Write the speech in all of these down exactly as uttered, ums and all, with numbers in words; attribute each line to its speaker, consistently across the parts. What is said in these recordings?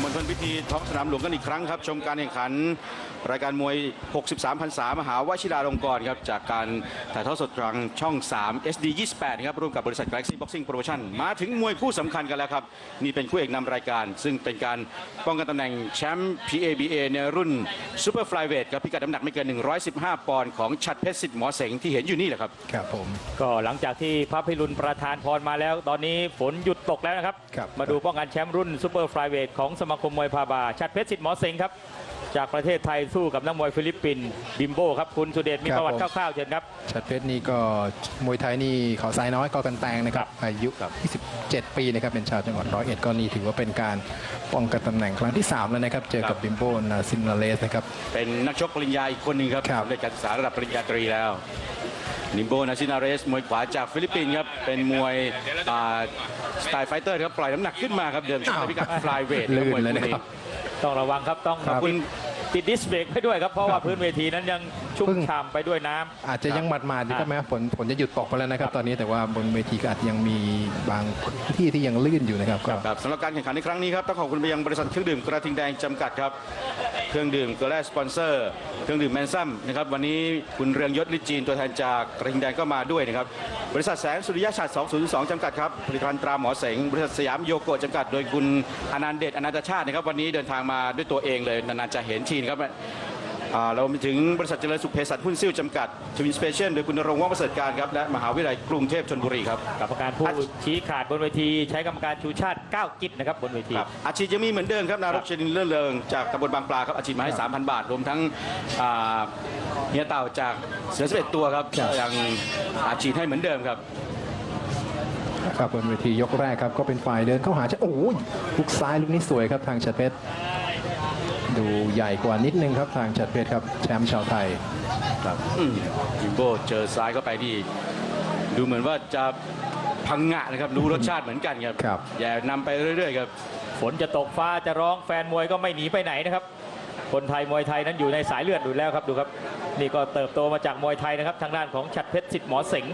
Speaker 1: ณฑลพิธีท้องสนามหลวงกันอีกครั้งครับชมการแข่งขันรายการมวยหกสิบสามพรรษามหาวชิราลงกรณ์ครับจากการถ่ายทอดสดทางช่องสาม เอส ดี ยี่สิบแปดครับร่วมกับบริษัท Galaxy Boxing Promotion มาถึงมวยคู่สำคัญกันแล้วครับนี่เป็นคู่เอกนำรายการซึ่งเป็นการป้องกันตำแหน่งแชมป์ พี เอ บี เอ ในรุ่นซูเปอร์ไฟลายเวทครับพิกัดน้ำหนักไม่เกินหนึ่งร้อยสิบห้าปอนด์ของฉัตรเพชรสิทธิ์หมอเสงที่เห็นอยู่นี่แหละครับ
Speaker 2: ครับผม
Speaker 3: ก็หลังจากที่พระพิรุณประธานพรมาแล้วตอนนี้ฝนหยุดตกแล้วนะครับมาดูป้องกันแชมป์รุ่นซูเปอร์ไฟลายเวทของสมาคมมวยพาบาฉัตรเพชรสิทธิ์หมอเสงครับจากประเทศไทยสู้กับนักมวยฟิลิปปินส์บิมโบครับคุณสุเดชมีประวัติคร่าวๆเชิญครับ
Speaker 2: ฉัตรเพชรนี่ก็มวยไทยนี่เขาทรายน้อยก็กันแตงนะครับอายุยี่สิบเจ็ดปีนะครับเป็นชาวจังหวัดร้อยเอ็ดก็นี่ถือว่าเป็นการป้องกันตำแหน่งครั้งที่สามแล้วนะครับเจอกับบิมโบนาซินนาเลสนะครับ
Speaker 1: เป็นนักชกปริญญาอีกคนหนึ่งครับได้การศึกษาระดับปริญญาตรีแล้วบิมโบนาซินาเรสมวยขวาจากฟิลิปปินส์ครับเป็นมวยสไตล์ไฟเตอร์ครับปล่อยน้ำหนักขึ้นมาครับเดิมชกในพิกัดไฟลายเวท
Speaker 2: ลื่นเลยนะครับ
Speaker 3: ต้องระวังครับต้องคุณติดดิสเบรกให้ด้วยครับเพราะว่าพื้นเวทีนั้นยังชุ่มฉ่ำไปด้วยน้ำ
Speaker 2: อาจจะยังหมาดมาดอยู่ก็แม้ฝนฝนจะหยุดตกไปแล้วนะครับตอนนี้แต่ว่าบนเวทีก็อาจยังมีบางที่ที่ยังลื่นอยู่นะครับ
Speaker 1: ครับสำหรับการแข่งขันในครั้งนี้ครับต้องขอบคุณไปยังบริษัทเครื่องดื่มกระทิงแดงจำกัดครับเครื่องดื่มเกลือแร่สปอนเซอร์เครื่องดื่มแมนซัมนะครับวันนี้คุณเรืองยศฤทธิ์จีนตัวแทนจากกระทิงแดงก็มาด้วยนะครับบริษัทแสงสุริยะฉัตรสองศูนย์สองจำกัดครับผลิตภัณฑ์ตราหมอเสงบริษัทสยามโยโกะจำกัดโดยคุณอนันต์เดชอนันตชาตินะครับวันนี้เดินทางมาด้วยตัวเองเลยนานๆจะเห็นทีนะครับเราไปถึงบริษัทเจริญสุขเภสัชหุ้นซิ่วจำกัดทวินสเปเชียลโดยคุณณรงค์ว่องประเสริฐการครับและมหาวิทยาลัยกรุงเทพธนบุรีครับ
Speaker 3: กรรมการผู้ชี้ขาดบนเวทีใช้กรรมการชูชาติเก้ากิจนะครับบนเวที
Speaker 1: อาชีพยังมีเหมือนเดิมครับนารกชนินเลื่อนเริงจากตำบลบางปลาครับอาชีพมาให้ สามพัน บาทรวมทั้งเฮียเต่าจากเสือสิบเอ็ดตัวครับยังอาชีพให้เหมือนเดิมครับ
Speaker 2: ครับบนเวทียกแรกครับก็เป็นฝ่ายเดินเข้าหาโอ้ยลูกซ้ายลูกนี้สวยครับทางฉัตรเพชรดูใหญ่กว่านิดนึงครับทางฉัตรเพชรครับแชมป์ชาวไทย
Speaker 1: ครับบิมโบเจอซ้ายเข้าไปดีดูเหมือนว่าจะพังงะนะครับรู้รสชาติเหมือนกันครับ
Speaker 2: ครับ
Speaker 1: อย่านำไปเรื่อยๆครับ
Speaker 3: ฝนจะตกฟ้าจะร้องแฟนมวยก็ไม่หนีไปไหนนะครับคนไทยมวยไทยนั้นอยู่ในสายเลือดอยู่แล้วครับดูครับนี่ก็เติบโตมาจากมวยไทยนะครับทางด้านของฉัตรเพชรสิทธิ์หมอเสง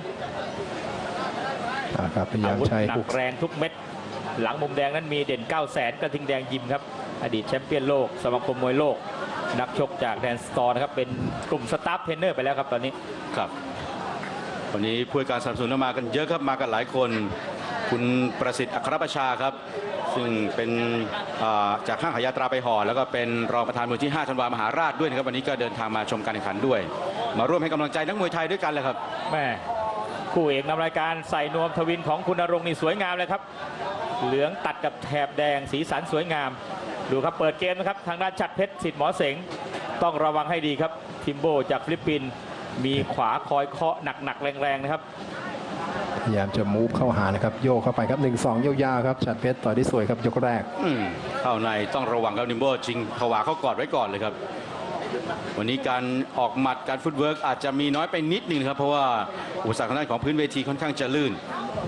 Speaker 2: ครับพยายามใช้
Speaker 3: หนักแรงทุกเม็ดหลังมุมแดงนั้นมีเด่นเก้าแสนกระทิงแดงยิมครับอดีตแชมเปี้ยนโลกสมาคมมวยโลกนักชกจากแดนสตอร์นะครับเป็นกลุ่มสตาฟเทรนเนอร์ไปแล้วครับตอนนี้
Speaker 1: ครับวันนี้ผู้การสนับสนุนมากันเยอะครับมากันหลายคนคุณประสิทธิ์อัครประชาครับซึ่งเป็นจากห้างขายยาตราไปห่อแล้วก็เป็นรองประธานมูลที่ห้าธันวามหาราชด้วยนะครับวันนี้ก็เดินทางมาชมการแข่งขันด้วยมาร่วมให้กำลังใจนักมวยไทยด้วยกันเลยครับ
Speaker 3: แม่คู่เอกนำรายการใส่นวมทวินของคุณณรงค์นี่สวยงามเลยครับเหลืองตัดกับแถบแดงสีสันสวยงามดูครับเปิดเกมนะครับทางด้านฉัตรเพชรสิทธิ์หมอเสงต้องระวังให้ดีครับทิมโบจากฟิลิปปินส์มีขวาคอยเคาะหนักๆแรงๆนะครับ
Speaker 2: พยายามจะมูฟเข้าหานะครับโยกเข้าไปครับหนึ่งสองยาวๆครับฉัตรเพชรต่อยได้สวยครับยกแรก
Speaker 1: เข้าในต้องระวังครับทิมโบจริงขวาเข้ากอดไว้ก่อนเลยครับวันนี้การออกหมัดการฟุตเวิร์กอาจจะมีน้อยไปนิดนึงครับเพราะว่าอุปสรรคทางด้านของพื้นเวทีค่อนข้างจะลื่น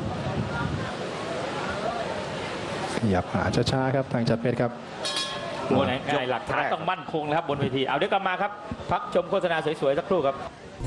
Speaker 2: ขยับหาช้าๆครับทางฉัตรเพชรครับ
Speaker 3: บนไหนหลักฐานต้องมั่นคงนะครับบนเวทีเอาเดี๋ยวกลับมาครับพักชมโฆษณาสวยๆสักครู่ครับ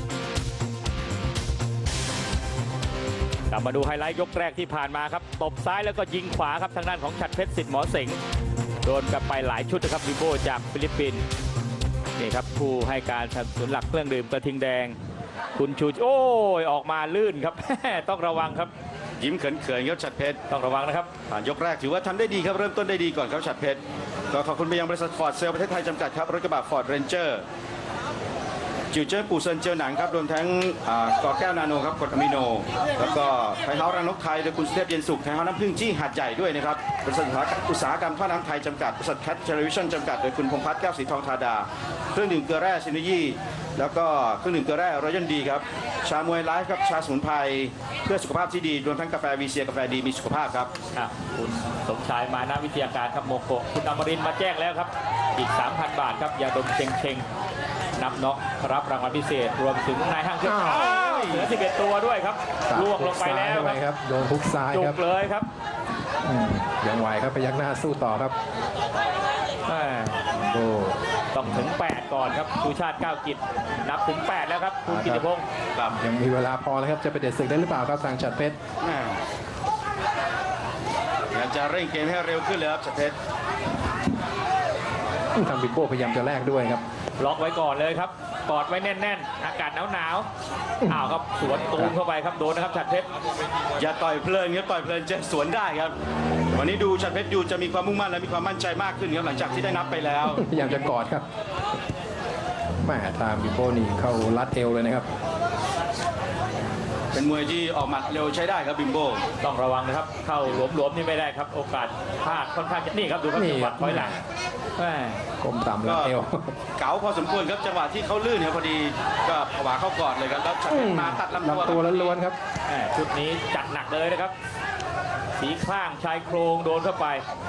Speaker 3: กลับมาดูไฮไลท์ยกแรกที่ผ่านมาครับตบซ้ายแล้วก็ยิงขวาครับทางด้านของฉัตรเพชรสิทธิ์หมอเสงโดนกลับไปหลายชุดนะครับบิมโบจากฟิลิปปินส์นี่ครับผู้ให้การสนับสนุนหลักเครื่องดื่มกระทิงแดงคุณชูโอ้ยออกมาลื่นครับ ต้องระวังครับ
Speaker 1: ยิ้มเขินๆครับฉัตรเพชร
Speaker 3: ต้องระวังนะครับ
Speaker 1: ผ่านยกแรกถือว่าทำได้ดีครับเริ่มต้นได้ดีก่อนครับฉัตรเพชรก็ขอบคุณไปยังบริษัทฟอร์ดเซลประเทศไทยจำกัดครับรถกระบะฟอร์ดเรนเจอร์จิวเจิ้นปูเซินเจอหนังครับรวมทั้งกอแก้วนาโนครับกรดอะมิโนแล้วก็ไทยเฮาส์รังนกไทยโดยคุณสุเทพเย็นสุขไทยเฮาส์น้ำผึ้งจี้หาดใหญ่ด้วยนะครับบริษัทอุตสาหกรรมท่าน้ำไทยจำกัดบริษัทแคทเทเลวิชั่นจำกัดโดยคุณพงษ์พัฒน์แก้วสีทองธาดาเครื่องดื่มเกลือแร่ซินยีแล้วก็เครื่องดื่มเกลือแร่รอยัลดีครับชามวยไลฟ์ครับชาสมุนไพรเพื่อสุขภาพที่ดีรวมทั้งกาแฟวีเซียกาแฟดีมีสุขภาพครับ
Speaker 3: คุณสมชายมานาวิทยาการครับโมโกคุณอมรินทร์มาแจ้งแล้วครับอีก สามพัน บาทครับยาดมเชงเชงนับน็อกรับรางวัลพิเศษรวมถึงนายห้างเครื่องเหลือสิบเอ็ดตัวด้วยครับล่วงลงไปแล้ว
Speaker 2: ครับโดนทุกซ้าย
Speaker 3: ครับจุกเลยครับ
Speaker 2: ยังไหวครับพยักหน้าสู้ต่อครับ
Speaker 3: โอ้ต้องถึงแปดก่อนครับชูชาติเก้ากิจนับถึงแปดแล้วครับคุณกิติพงศ์
Speaker 2: ยังมีเวลาพอแล้วครับจะไปเด็ดศึกได้หรือเปล่าครับทางฉัตรเพชร
Speaker 1: อยากจะเร่งเกมให้เร็วขึ้นเลยครับฉัตรเพชร
Speaker 2: ทางบิมโบ้พยายามจะแลกด้วยครับ
Speaker 3: ล็อกไว้ก่อนเลยครับกอดไว้แน่นๆ อากาศหนาวๆอ้าวครับสวนตูมเข้าไปครับโดนนะครับฉัตรเพชร
Speaker 1: อย่าต่อยเพลินครับต่อยเพลินจะสวนได้ครับ วันนี้ดูฉัตรเพชรดูจะมีความมุ่งมั่นและมีความมั่นใจมากขึ้นครับหลังจากที่ได้นับไปแล้ว
Speaker 2: พยายามจะกอดครับแม่ทางบิมโบ้นี่เข้ารัดเอวเลยนะครับ
Speaker 1: เป็นมวยที่ออกหมัดเร็วใช้ได้ครับบิมโบ
Speaker 3: ต้องระวังนะครับ เข้าหลวมๆนี่ไม่ได้ครับ โอกาสพลาดค่อนข้างจะนี่ครับดูครับ
Speaker 2: นี่
Speaker 3: จังหวะถอยหลังแม่
Speaker 2: ก้มต่ำรั
Speaker 1: ก็
Speaker 2: ดเอว
Speaker 1: เก๋าพอสมควรครับจังหวะที่เขาลื่นครับพอดีก็ผวาเข้ากอดเลยครับแล้วฉัตรเพชรมาตัดลำตัว
Speaker 2: ลำตัวล้วนๆครับ
Speaker 3: แม่ชุดนี้จัดหนักเลยนะครับ สีข้างชายโครงโดนเข้าไป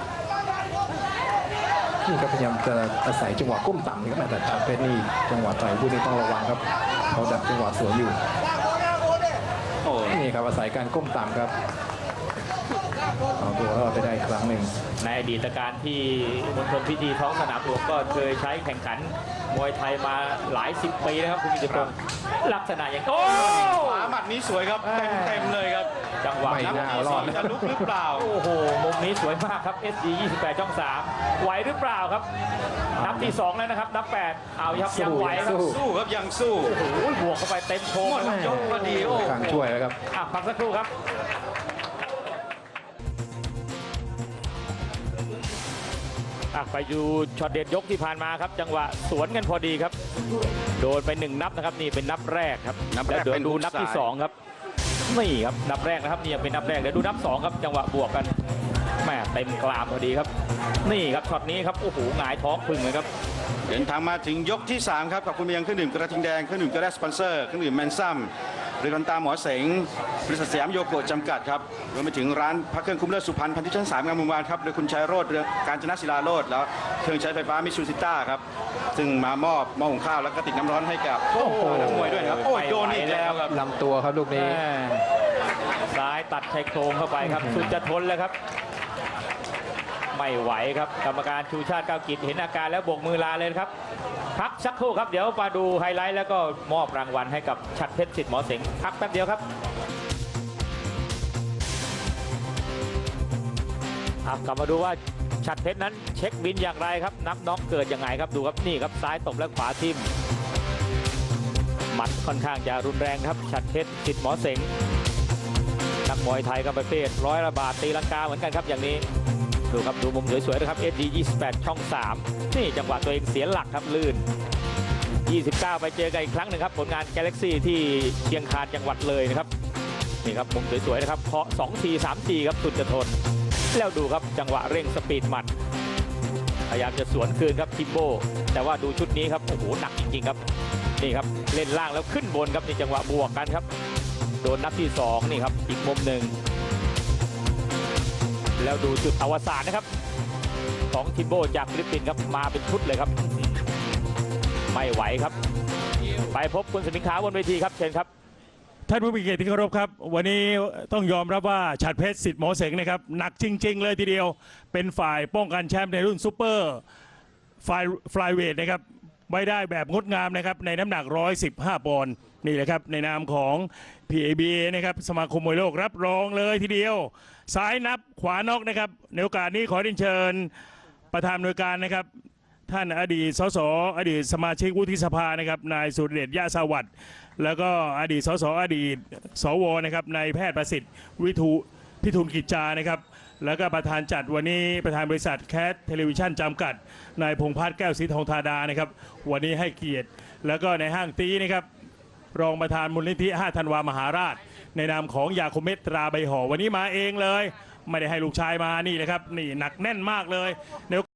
Speaker 2: นี่ก็พยายามจะอาศัยจังหวะก้มต่ำนี่ครับแต่ทางเพชรนี่จังหวะต่อยผู้นี้ต้องระวังครับเขาดักจังหวะสวนอยู่
Speaker 1: โอ้
Speaker 2: นี่ครับอาศัยการก้มต่ำครับเอาตัวรอดไปได้อีกครั้งหนึ่ง
Speaker 3: ในอดีตการที่มณฑลพิธีท้องสนามหลวงก็เคยใช้แข่งขันมวยไทยมาหลายสิบปีนะครับคุณกิตพงศ์ลักษณะอย่างโอ้
Speaker 1: ขวาหมัดนี้สวยครับเต็มเต็มๆเลยครับ
Speaker 3: จังหวะ
Speaker 2: ไม่
Speaker 3: นับ
Speaker 2: น่า
Speaker 3: ที่
Speaker 2: ร
Speaker 3: ส
Speaker 2: อ
Speaker 3: อ
Speaker 2: ด
Speaker 3: ง
Speaker 1: จะลุกหรือเปล่า
Speaker 3: โอ้โหมุมนี้สวยมากครับ เอส ดี ยี่สิบแปดช่องสามไหวหรือเปล่าครับ นับที่สองแล้วนะครับ นับแปดเอาครับยังไหวครับ
Speaker 2: สู้
Speaker 1: สู้ครับยังสู้
Speaker 3: โอ้โหบวกเข้าไปเต็มโค้ง
Speaker 1: หมด
Speaker 3: ครับ
Speaker 1: ยกพอดีโอ้
Speaker 2: ทางช่วยแล้วครับ
Speaker 3: อ่ะพักสักครู่ครับอ่ะไปดูช็อตเด็ดยกที่ผ่านมาครับ จังหวะสวนกันพอดีครับ โดนไปหนึ่งนับนะครับนี่เป็นนับแรกครับ
Speaker 1: นับแรก
Speaker 3: แล้วเดี๋ยว
Speaker 1: เป็น
Speaker 3: ดู
Speaker 1: ฮุก
Speaker 3: นับที่
Speaker 1: ซ้าย
Speaker 3: สองครับนี่ครับนับแรกนะครับนี่ยังเป็นนับแรกเดี๋ยวดูนับสองครับจังหวะบวกกันแม่เต็มกลามพอดีครับ นี่ครับช็อตนี้ครับโอ้โหหงายท้องพึ่งเลยครับ
Speaker 1: เดินทางมาถึงยกที่สามครับขอบคุณไปยังเครื่องดื่มกระทิงแดงเครื่องดื่มกระแดสปอนเซอร์เครื่องดื่มแมนซัมบริการตาหมอเสงบริษัทสยามโยโกะจำกัดครับรวมไปถึงร้านพักเครื่องคุ้มเลิศสุพรรณพันธุ์ที่ชั้นสามงามวงวานครับโดยคุณชัยโรจน์เรืองการจนศิลาโรจน์แล้วเครื่องใช้ไฟฟ้ามิตซูซิต้าครับซึ่งมามอบหม้อหุงข้าวและกระติกน้ำร้อนให้กับ
Speaker 3: โอ้โห
Speaker 1: นักมวยด้วยนะครับโอ้ยโดนอีกแล้วครับ
Speaker 2: ลำตัวครับลูกนี้
Speaker 3: แม่ซ้ายตัดชายโครงเข้าไปครับสุดจะทนแล้วครับ ไม่ไหวครับกรรมการชูชาติก้าวกิจเห็นอาการแล้วโบกมือลาเลยนะครับพักสักครู่ครับเดี๋ยวมาดูไฮไลท์แล้วก็มอบรางวัลให้กับฉัตรเพชรสิทธิ์หมอเสงพักแป๊บเดียวครับอ่ะกลับมาดูว่าฉัตรเพชรนั้นเช็คบินอย่างไรครับนับน็อกเกิดยังไงครับดูครับนี่ครับซ้ายตบและขวาทิ่มหมัดค่อนข้างจะรุนแรงครับฉัตรเพชรสิทธิ์หมอเสงนักมวยไทยก็ประเภทร้อยระบาดตีลังกาเหมือนกันครับอย่างนี้ดูครับดูมุมสวยๆนะครับ เอส ดี ยี่สิบแปด ช่องสามนี่จังหวะตัวเองเสียหลักครับลื่นยี่สิบเก้าไปเจอกันอีกครั้งหนึ่งครับผลงาน Galaxy ที่เชียงคานจังหวัดเลยนะครับนี่ครับมุมสวยๆนะครับเคาะสองทีสามทีครับสุดจะทนแล้วดูครับจังหวะเร่งสปีดหมัดพยายามจะสวนคืนครับทิมโบแต่ว่าดูชุดนี้ครับโอ้โหหนักจริงๆครับนี่ครับเล่นล่างแล้วขึ้นบนครับนี่จังหวะบวกกันครับโดนนับที่สองนี่ครับอีกมุมหนึ่งแล้วดูจุดอวสานนะครับของทิมโบจากฟิลิปปินส์ครับมาเป็นชุดเลยครับไม่ไหวครับไปพบคุณสมิงขาวบนเวทีครับเชิญครับ
Speaker 4: ท่านผู้มีเกียรติที่เคารพครับ วันนี้ต้องยอมรับว่าฉัตรเพชรสิทธิ์หมอเสงนะครับหนักจริง ๆ เลยทีเดียวเป็นฝ่ายป้องกันแชมป์ในรุ่นซูเปอร์ไฟฟลายเวทนะครับไว้ได้แบบงดงามนะครับในน้ำหนักหนึ่งร้อยสิบห้าปอนด์นี่แหละครับในนามของ พี เอ บี เอ นะครับสมาคมมวยโลกรับรองเลยทีเดียวซ้ายนับขวานอกนะครับในโอกาสนี้ขอเรียนเชิญประธานหน่วยการนะครับท่านอดีตสสอดีตสมาชิกวุฒิสภานะครับนายสุรเดชยะสวัสดิ์แล้วก็อดีตสสอดีตสวนะครับนายแพทย์ประสิทธิ์วิทูพิทูลกิจจานะครับแล้วก็ประธานจัดวันนี้ประธานบริษัทแคทเทเลวิชั่นจำกัดนายพงษ์พัฒน์แก้วศรีทองธาดานะครับวันนี้ให้เกียรติแล้วก็ในห้างตีนะครับรองประธานมูลนิธิห้าธันวามหาราชในนามของยาคมเมตตราใบห่อวันนี้มาเองเลยไม่ได้ให้ลูกชายมานี่นะครับนี่หนักแน่นมากเลยใน